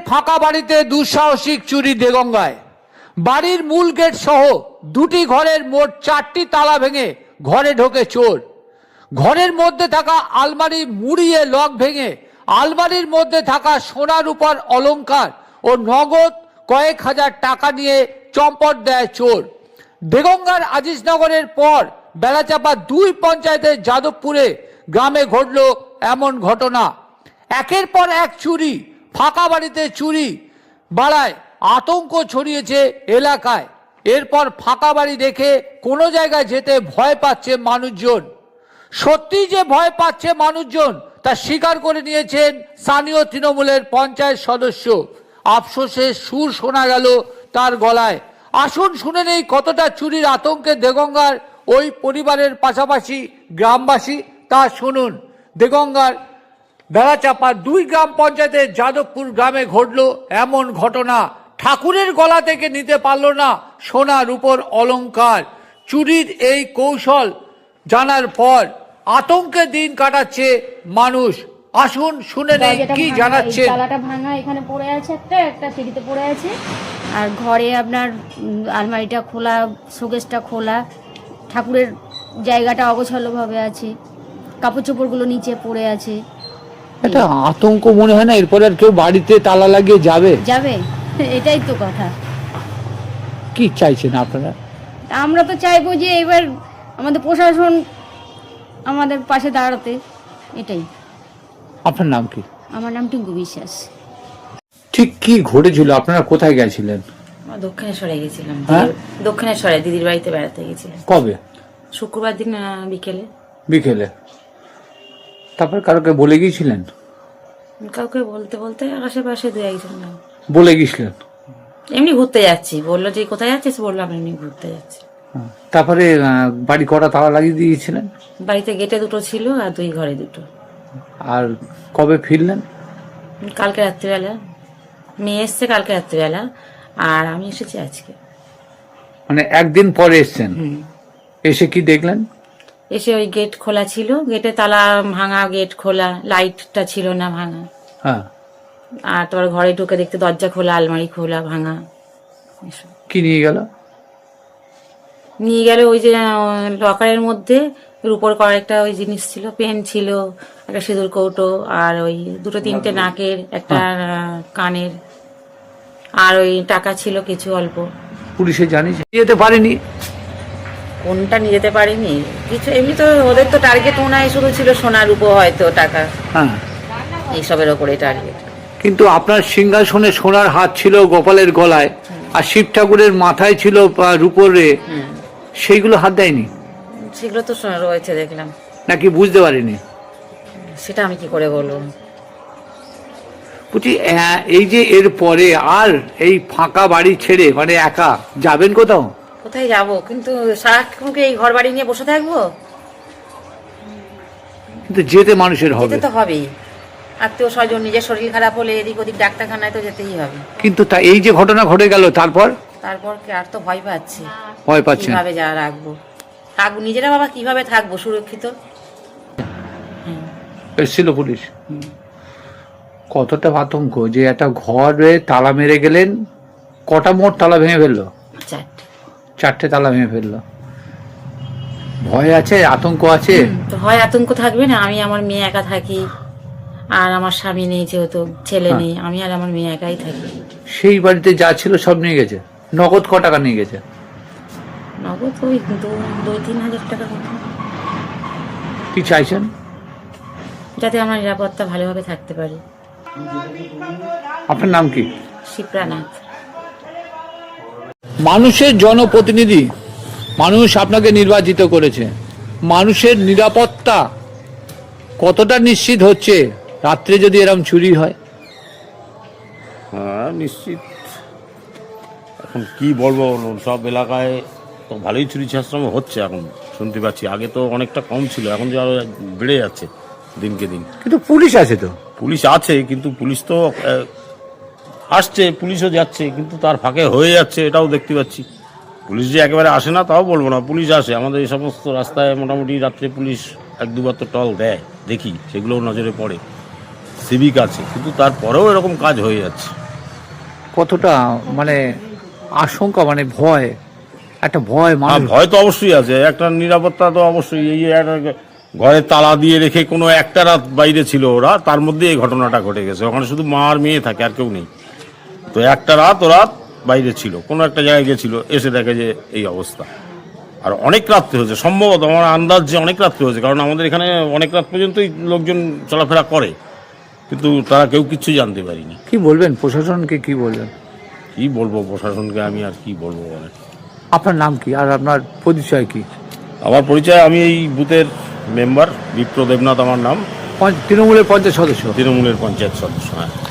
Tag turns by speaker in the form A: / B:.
A: ফাঁকা বাড়িতে দুঃসাহসিক চুরি দেগঙ্গায়। বাড়ির মূল গেট সহ দুটি ঘরের মোট 4টি তালা ভেঙে ঘরে ঢোকে চোর। ঘরের মধ্যে থাকা আলমারি মুড়িয়ে লক ভেঙে আলমারির মধ্যে থাকা সোনা রূপার অলংকার ও নগদ কয়েক হাজার টাকা নিয়ে চম্পট দেয় চোর। দেগঙ্গার আজিজনগরের পর বেলাচাপা 2 পঞ্চায়েতের যাদবপুরে গ্রামে ঘটল এমন ঘটনা। একের পর এক চুরি, ফাঁকা বাড়িতে চুরি বাড়ায় আতঙ্ক ছড়িয়েছে এলাকায়। এরপর ফাঁকা বাড়ি দেখে কোনো জায়গায় যেতে ভয় পাচ্ছে মানুষজন। সত্যি যে ভয় পাচ্ছে মানুষজন তা স্বীকার করে নিয়েছেন স্থানীয় তৃণমূলের পঞ্চায়েত সদস্য। আফসোসের সুর শোনা গেল তার গলায়। আসুন শুনে নেই কতটা চুরির আতঙ্কে দেগঙ্গার ওই পরিবারের পাশাপাশি গ্রামবাসী, তা শুনুন। দেগঙ্গার বেলাচাপা 2 গ্রাম পঞ্চায়েতের যাদবপুর গ্রামে ঘটল এমন ঘটনা। ঠাকুরের গলা থেকে নিতে পারল না সোনা রূপোর অলংকার। চুরির এই কৌশল জানার পর আতঙ্কে দিন কাটাচ্ছে মানুষ। আসুন শুনে নেই কি জানাচ্ছে।
B: তালাটা ভাঙা, এখানে পড়ে আছে, একটা সিঁড়িতে পড়ে আছে। আর ঘরে আপনার আলমারিটা খোলা, শোকেসটা খোলা, ঠাকুরের জায়গাটা অগোছালোভাবে আছে, কাপড় চোপড়গুলো নিচে পড়ে আছে।
A: এটা আতঙ্ক মনে হয় না এরপরে আর কেউ বাড়িতে তালা লাগিয়ে যাবে?
B: এটাই তো কথা।
A: কি চাইছেন আপনারা?
B: আমরা তো চাইবো যে এবার আমাদের প্রশাসন আমাদের পাশে দাঁড়াতে, এটাই।
A: আপনার নাম কি?
B: আমার নাম টিঙ্কু বিশ্বাস।
A: ঠিক কি ঘটেছিল? আপনারা কোথায় গেছিলেন?
C: দক্ষিণেশ্বরে গেছিলাম।
A: হ্যাঁ?
C: দক্ষিণেশ্বরে দিদির বাড়িতে বেড়াতে গেছিলাম।
A: কবে?
C: শুক্রবার দিন বিকেলে।
A: বিকেলে? তারপর কারোকে বলে গিয়েছিলেন?
C: কাউকে বলতে বলতে আশেপাশে 2-1 জন
A: বলে গিয়েছিলেন?
C: এমনি ঘুরতে যাচ্ছি বললো, যে কোথায় যাচ্ছিস, বললাম এমনি ঘুরতে যাচ্ছি।
A: তারপরে বাড়ি কটা তালা লাগিয়ে দিয়েছিলেন?
C: বাড়িতে গেটে 2টো ছিল আর 2 ঘরে 2টো।
A: আর কবে ফিরলেন?
C: কালকে রাত্রিবেলা। মেয়ে এসছে কালকে রাত্রিবেলা, আর আমি এসেছি আজকে।
A: মানে একদিন পরে এসছেন? এসে কি দেখলেন?
C: এসে ওই গেট খোলা ছিল, গেটে তালা ভাঙা, গেট খোলা, লাইটটা ছিল না ভাঙা।
A: হ্যাঁ।
C: আর তোমার ঘরে ঢুকে দেখতে দরজা খোলা, আলমারি খোলা, ভাঙা।
A: কি নিয়ে গেল?
C: নিয়ে গেল ওই যে লকারের মধ্যে রূপোর কয়েকটা ওই জিনিস ছিল, পেন ছিল, একটা সিঁদুর কৌটো, আর ওই 2-3টে নাকের, একটা কানের, আর ওই টাকা ছিল কিছু অল্প।
A: পুলিশে জানিস? যেতে পারেনি?
C: কোনটা নিয়ে যেতে পারিনি কিছু, এমনি তো ওদের তো টার্গেট ওনাই শুধু ছিল সোনার রূপো, হয়তো টাকা,
A: হ্যাঁ,
C: এইসবের ওপরে টার্গেট।
A: কিন্তু আপনার সিংহাসনে সোনার হাত ছিল গোপালের গলায়, আর শিব ঠাকুরের মাথায় ছিল রূপোরে, সেইগুলো হাত দেয়নি?
C: সেগুলো তো রয়েছে দেখলাম।
A: নাকি বুঝতে পারিনি?
C: সেটা আমি কি করে বলবো।
A: বলছি এই যে এর পরে আর এই ফাঁকা বাড়ি ছেড়ে মানে একা যাবেন কোথাও?
C: কোথায় যাব, কিন্তু সারাক্ষণ কি এই ঘর বাড়ি নিয়ে বসে থাকবো?
A: কিন্তু যেতে মানুষের হবে,
C: যেতে তো হবেই। আত্মীয় স্বজন, নিজের শরীর খারাপ হলে এদিক ওদিক ডাক্তারখানায় তো যেতেই হবে।
A: কিন্তু তা এই যে ঘটনা ঘটে গেল তারপর
C: কি আর তো ভয় পাচ্ছি।
A: ভয় পাচ্ছেন?
C: কিভাবে যা রাখবো, থাকবো নিজেরা, বাবা কিভাবে থাকবো সুরক্ষিত?
A: এসেছিল পুলিশ? কতটা আতঙ্ক যে একটা ঘরে তালা মেরে গেলেন। কটা মোট তালা ভেঙে ফেললো? 4টে তালা ভেঙে ফেললো। ভয় আছে, আতঙ্ক আছে?
C: তো হয়, আতঙ্ক থাকবে না। আমি আমার মেয়ে একা থাকি, আর আমার স্বামী নেই, যেহেতু ছেলে নেই, আমি আর আমার মেয়ে একাই থাকি।
A: সেই বাড়িতে যা ছিল সব নিয়ে গেছে? নগদ ক টাকা নিয়ে গেছে?
C: নগদ ওই 2-3 হাজার টাকা মতো।
A: কি চাইছেন?
C: যাতে আমরা নিরাপত্তা ভালোভাবে থাকতে পারি।
A: আপনার নাম কি?
C: শিপ্রানাথ।
A: মানুষের জনপ্রতিনিধি, মানুষ আপনাকে নির্বাচিত করেছে। মানুষের নিরাপত্তা কতটা নিশ্চিত হচ্ছে রাত্রে যদি এরকম চুরি হয়?
D: হ্যাঁ, নিশ্চিত। এখন কি বলবো, সব এলাকায় তো ভালোই চুরি ছাশ্রম হচ্ছে এখন শুনতে পাচ্ছি। আগে তো অনেকটা কম ছিল, এখন যে আরো বেড়ে যাচ্ছে দিনকে দিন।
A: কিন্তু পুলিশ আছে তো?
D: পুলিশ আছে, কিন্তু পুলিশ তো আসছে, পুলিশও যাচ্ছে, কিন্তু তার ফাঁকে হয়ে যাচ্ছে, এটাও দেখতে পাচ্ছি। পুলিশ যে একেবারে আসে না তাও বলবো না, পুলিশ আসে। আমাদের এই সমস্ত রাস্তায় মোটামুটি রাত্রে পুলিশ 1-2বার তো টল দেয়, দেখি, সেগুলোও নজরে পড়ে। সিভিক আছে, কিন্তু তারপরেও এরকম কাজ হয়ে যাচ্ছে।
A: কতটা মানে আশঙ্কা, মানে ভয়, একটা ভয়
D: হ্যাঁ,
A: মানুষ।
D: ভয় তো অবশ্যই আছে, একটা নিরাপত্তা তো অবশ্যই। এই যে একটা ঘরে তালা দিয়ে রেখে কোনো একটা রাত বাইরে ছিল ওরা, তার মধ্যে এই ঘটনাটা ঘটে গেছে। ওখানে শুধু মা আর মেয়ে থাকে, আর কেউ নেই। তো একটা রাত ওরা বাইরে ছিল, কোনো একটা জায়গায় গেছিল, এসে দেখে যে এই অবস্থা। আর অনেক রাত্রে হয়েছে, সম্ভবত আমার আন্দাজ যে অনেক রাত্রে হয়েছে, কারণ আমাদের এখানে অনেক রাত পর্যন্তই লোকজন চলাফেরা করে, কিন্তু তারা কেউ কিচ্ছু জানতে পারিনি।
A: কি বলবেন প্রশাসনকে, কি বলবেন?
D: কি বলবো প্রশাসনকে, আমি আর কি বলবো বলে।
A: আপনার নাম কি আর আপনার পরিচয় কি?
D: আমার পরিচয়, আমি এই বুথের মেম্বার বিপ্র দেবনাথ আমার নাম,
A: তৃণমূলের পঞ্চায়েত সদস্য।
D: তৃণমূলের পঞ্চায়েত সদস্য। হ্যাঁ।